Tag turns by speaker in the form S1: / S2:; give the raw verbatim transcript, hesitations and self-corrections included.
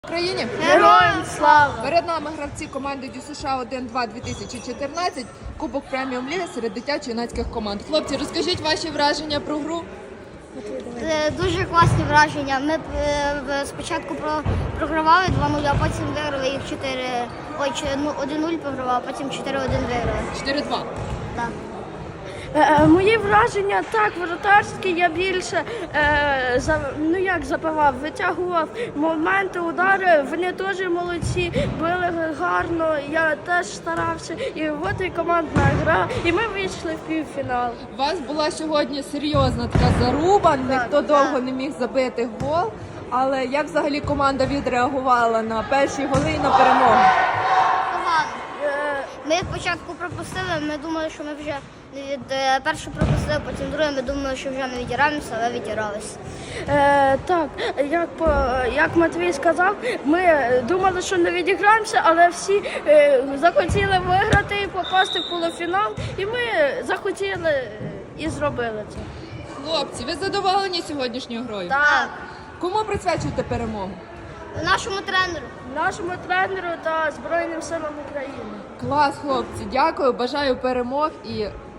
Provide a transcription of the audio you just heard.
S1: Україні!
S2: Героям слава!
S1: Перед нами гравці команди ДЮСШ один два дві тисячі чотирнадцять, Кубок преміум ліги серед дитячо-юнацьких команд. Хлопці, розкажіть ваші враження про гру.
S2: Це дуже класні враження. Ми е, спочатку про- програвали два нуль, а потім виграли їх чотири. Ой, чи- ну, один нуль програвали, а потім чотири один виграли.
S1: чотири два.
S2: Так.
S3: Е, Мої враження так, воротарські, я більше е, за, ну як забивав, витягував моменти, удари, вони теж молодці, били гарно, я теж старався. І от і командна гра, і ми вийшли в півфінал.
S1: У вас була сьогодні серйозна така заруба, ніхто довго не міг забити гол. Але як взагалі команда відреагувала на перші голи і на перемогу?
S2: Погано.
S3: Е,
S2: Ми спочатку пропустили, ми думали, що ми вже від е, першу пропустили, потім друге, ми думали, що вже не відіраємося, але відіралися.
S3: Е, так, як, по, як Матвій сказав, ми думали, що не відіграємося, але всі е, захотіли виграти і попасти в полуфінал, і ми захотіли е, і зробили це.
S1: Хлопці, ви задоволені сьогоднішньою грою?
S2: Так.
S1: Кому присвячуєте перемогу?
S2: Нашому тренеру.
S3: Нашому тренеру та Збройним силам України.
S1: Клас, хлопці, дякую, бажаю перемог і